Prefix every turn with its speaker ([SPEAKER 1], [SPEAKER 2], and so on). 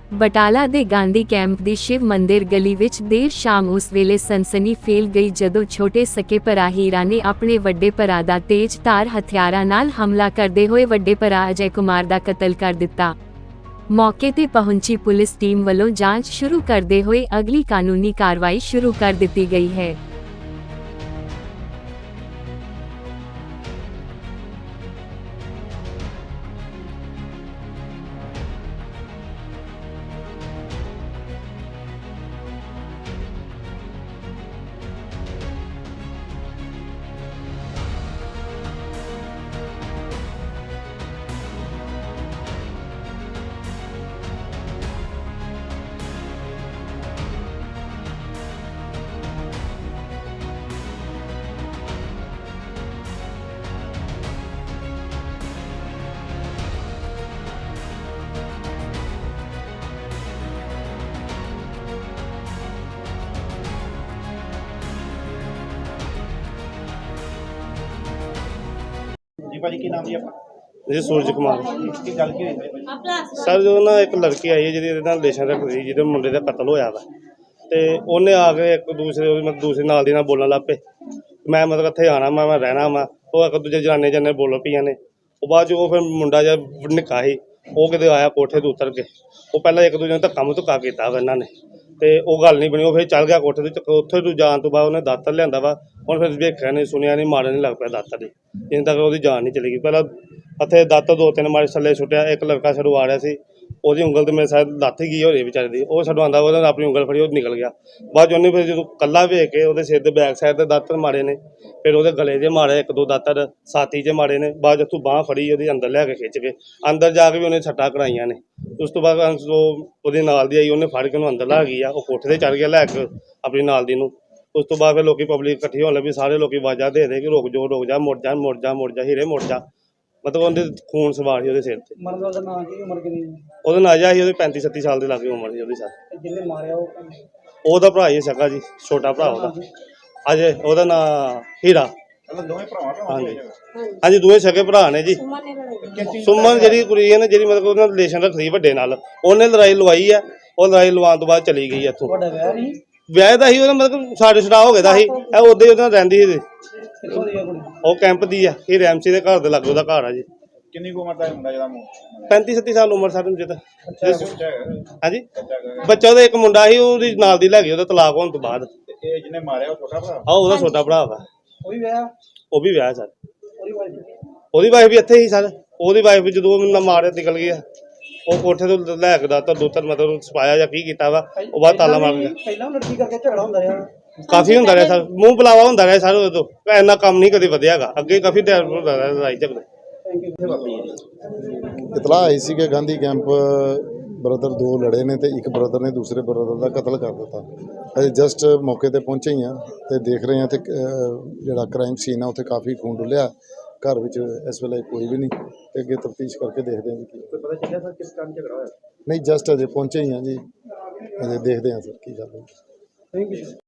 [SPEAKER 1] ਬਟਾਲਾ ਦੇ ਗਾਂਧੀ ਕੈਂਪ ਦੀ ਸ਼ਿਵ ਮੰਦਿਰ ਗਲੀ ਵਿੱਚ ਦੇਰ ਸ਼ਾਮ ਉਸ ਵੇਲੇ ਸਨਸਨੀ ਫੈਲ ਗਈ ਜਦੋਂ ਛੋਟੇ ਸਕੇ ਭਰਾ ਹੀਰਾ ਨੇ ਆਪਣੇ ਵੱਡੇ ਭਰਾ ਦਾ ਤੇਜ਼ ਧਾਰ ਹਥਿਆਰਾਂ ਨਾਲ ਹਮਲਾ ਕਰਦੇ ਹੋਏ ਵੱਡੇ ਭਰਾ ਅਜੇ ਕੁਮਾਰ ਦਾ ਕਤਲ ਕਰ ਦਿੱਤਾ। ਮੌਕੇ ਤੇ ਪਹੁੰਚੀ ਪੁਲਿਸ ਟੀਮ ਵੱਲੋਂ ਜਾਂਚ ਸ਼ੁਰੂ ਕਰਦੇ ਹੋਏ ਅਗਲੀ ਕਾਨੂੰਨੀ ਕਾਰਵਾਈ ਸ਼ੁਰੂ ਕਰ ਦਿੱਤੀ ਗਈ ਹੈ।
[SPEAKER 2] जी भाजी की नाम जी अपना
[SPEAKER 3] जी सूरज कुमार
[SPEAKER 2] की गल की हुई
[SPEAKER 3] सर जो ना एक लड़की आई है जी रिलेशन रखती जिहदे मुंडे का कतल होया वा ते उन्हें आके एक दूसरे मतलब दूसरे नाल दी नाल बोलन लग पे मैं मतलब इत्थे आना मैं रहना वा वो एक दूजे जनाने जने बोल पईयां ने वो बाद जो फिर मुंडा जिहा निक्का ही वो किते आया कोठे तो उतर के वो पहला एक दूजे ने धक्का मुक्का कीता वा इन्हां ने ते वो गल नहीं बनी वो फिर चल गया कोठे ते उत्थे तो जान तो बाद उन्हें दातर लिआंदा वा हुण फिर वेखिया नहीं सुनिया नहीं मारन नहीं लग पिया दातर दी जिन्ने तक ਉਹਦੀ जान नहीं चली गई पहला हथे दातर दो तीन मारे थल्ले सुट्टिया एक लड़का साडू आ रहा सी ਉਹਦੀ ਉਂਗਲ ਤੇ ਮੇਰੇ ਸਾथ ਲੱਥ ਗਈ ਹੋਰੀ ਵਿਚਾਰੇ ਦੀ ਉਹ ਸਾਡੂ ਆਂਦਾ ਉਹਨੇ ਆਪਣੀ ਉਂਗਲ ਫੜੀ ਉਹ ਨਿਕਲ ਗਿਆ ਬਾਅਦ ਉਹਨੇ ਫਿਰ ਜਦੋਂ ਕੱਲਾ ਵੇਖ ਕੇ ਉਹਦੇ ਸਿਰ ਦੇ ਬੈਕ ਸਾਈਡ ਤੇ ਦਾਤਰ ਮਾਰੇ ਨੇ ਫਿਰ ਉਹਦੇ ਗਲੇ 'ਚ ਮਾਰੇ ਇੱਕ ਦੋ ਦਾਤਰ ਛਾਤੀ 'ਚ ਮਾਰੇ ਨੇ ਬਾਅਦ ਜਦੋਂ ਬਾਹ ਫੜੀ ਉਹਦੀ ਅੰਦਰ ਲੈ ਕੇ ਖਿੱਚ ਕੇ ਅੰਦਰ ਜਾ ਕੇ ਵੀ ਉਹਨੇ ਛੱਟਾਂ ਕਰਾਈਆਂ ਨੇ ਉਸ ਤੋਂ ਬਾਅਦ ਉਹਦੇ ਨਾਲ ਦੀ ਆਈ ਉਹਨੇ ਫੜ ਕੇ ਉਹਨੂੰ ਅੰਦਰ ਲਾ ਗਈ ਆ ਉਹ ਕੋਠੇ ਤੇ ਚੜ ਗਿਆ ਲੈ ਕੇ ਆਪਣੀ ਨਾਲ ਦੀ ਨੂੰ ਉਸ ਤੋਂ ਬਾਅਦ ਫਿਰ ਲੋਕੀ ਪਬਲਿਕ ਇਕੱਠੀ ਹੋਣ ਲੱਗੀ ਸਾਰੇ ਲੋਕੀ ਆਵਾਜ਼ਾਂ ਦੇ ਦੇ ਕਿ ਰੁਕ ਜਾ ਮੁੜ ਜਾ ਮੁੜ ਜਾ ਮੁੜ ਜਾ ਹੀਰੇ ਮੁੜ ਜਾ मतलब ਉਹਦੇ खून सवार ਸੀ ਉਹਦੇ ਸਿਰ ਤੇ
[SPEAKER 2] मरने वाला नाम की उम्र कितनी
[SPEAKER 3] ਉਹਦਾ ਨਾਜਾ ਸੀ ਉਹਦੇ 35 37 ਸਾਲ ਦੇ ਲਾਗੇ ਉਮਰ ਸੀ ਉਹਦੀ ਸਰ
[SPEAKER 2] जिन्हें मारे
[SPEAKER 3] ਉਹਦਾ ਭਰਾ ਹੀ ਸਕਾ ਜੀ ਛੋਟਾ ਭਰਾ ਉਹਦਾ ਅਜੇ ਉਹਦਾ ਨਾਂ ਹੀਰਾ
[SPEAKER 2] मतलब दोवें भरावां
[SPEAKER 3] ਹਾਂਜੀ ਹਾਂਜੀ ਦੋਵੇਂ ਸਕੇ ਭਰਾ ਨੇ ਜੀ ਸੁਮਨ ਜਿਹੜੀ ਕੁੜੀ ਹੈ ਨਾ ਜਿਹੜੀ ਮਤਲਬ ਉਹਨਾਂ ਰਿਲੇਸ਼ਨ ਰੱਖਦੀ ਵੱਡੇ ਨਾਲ ਉਹਨੇ ਲੜਾਈ ਲਵਾਈ ਆ ਉਹ ਲੜਾਈ ਲਵਾਉਣ ਤੋਂ ਬਾਅਦ ਚਲੀ ਗਈ ਇੱਥੋਂ
[SPEAKER 2] बड़ा व्याह नहीं
[SPEAKER 3] ਵਿਆਹ ਦਾ ਸੀ ਉਹਦਾ ਮਤਲਬ ਸਾਡੇ ਛੜਾ ਹੋ ਗਿਆ ਦਾ ਸੀ ਇਹ ਉਹਦੇ ਉਹਦੇ ਨਾਲ ਰਹਿੰਦੀ ਸੀ
[SPEAKER 2] कितों दी है कुड़ी
[SPEAKER 3] ਉਹ ਕੈਂਪ ਦੀ ਆ ਇਹ ਰੈਮਸੀ ਦੇ ਘਰ ਦੇ ਲਾਗੇ ਉਹਦਾ ਘਰ ਆ ਜੀ
[SPEAKER 2] कितनी को उम्र दा मुंडा जेदा
[SPEAKER 3] 35 37 ਸਾਲ ਉਮਰ ਸਾਡੇ ਨੂੰ ਜਿੱਦਾਂ
[SPEAKER 2] बच्चा
[SPEAKER 3] ਹਾਂਜੀ ਬੱਚਾ ਉਹਦਾ ਇੱਕ ਮੁੰਡਾ ਸੀ ਉਹਦੀ ਨਾਲ ਦੀ ਲੈ ਗਈ ਉਹਦਾ ਤਲਾਕ ਹੋਣ ਤੋਂ ਬਾਅਦ
[SPEAKER 2] ये जिन्हें मारे वो छोटा भरा
[SPEAKER 3] ਆ ਉਹਦਾ ਛੋਟਾ ਭਰਾ ਵਾ
[SPEAKER 2] कोई व्याह
[SPEAKER 3] ਉਹ ਵੀ ਵਿਆਹ ਸਰ
[SPEAKER 2] ओरी वाइफ
[SPEAKER 3] ਉਹਦੀ ਵਾਈਫ ਵੀ ਇੱਥੇ ਹੀ ਸਰ ਉਹਦੀ ਵਾਈਫ ਵੀ ਜਦੋਂ ਮੈਨੂੰ ਮਾਰਿਆ ਨਿਕਲ ਗਈ ਆ ਉਹ ਕੋਠੇ ਤੋਂ ਲੈ ਕੇ ਦਾ ਤਾਂ ਦੋ ਤਿੰਨ ਮਤਲਬ ਸਪਾਇਆ ਜਾਂ ਕੀ ਕੀਤਾ ਵਾ ਉਹ ਬਾਅਦ ਤਾਲਾ ਮਾਰ ਗਿਆ
[SPEAKER 2] ਪਹਿਲਾਂ ਲੜਕੀ ਕਰਕੇ ਝਗੜਾ ਹੁੰਦਾ ਰਿਹਾ
[SPEAKER 3] ਕਾਫੀ ਹੁੰਦਾ ਰਿਹਾ ਸਰ ਮੂੰਹ ਬੁਲਾਵਾ ਹੁੰਦਾ ਰਿਹਾ ਸਰ ਉਦੋਂ ਇੰਨਾ ਕੰਮ ਨਹੀਂ ਕਦੇ ਵਧਿਆਗਾ ਅੱਗੇ ਕਾਫੀ ਟਾਈਮ ਹੁੰਦਾ ਰਿਹਾ ਲੜਾਈ ਝਗੜੇ
[SPEAKER 4] इतला आई सी कि गांधी कैंप ब्रदर दो लड़े ने ते एक ब्रदर ने दूसरे ब्रदर का कतल कर दिता। अजे जस्ट मौके ते पहुंचे ही हैं ते देख रहे हैं ते जिहड़ा क्राइम सीन है उत्थे काफ़ी खून डुलिया घर विच इस वेले कोई भी नहीं ते अगे तफ्तीश करके देखते हैं कि
[SPEAKER 2] पता चलिया सर किस कारण झगड़ा होया
[SPEAKER 4] नहीं जस्ट अजे पहुंचे ही हैं जी अजे देखते हैं सर की गल है।
[SPEAKER 2] Thank you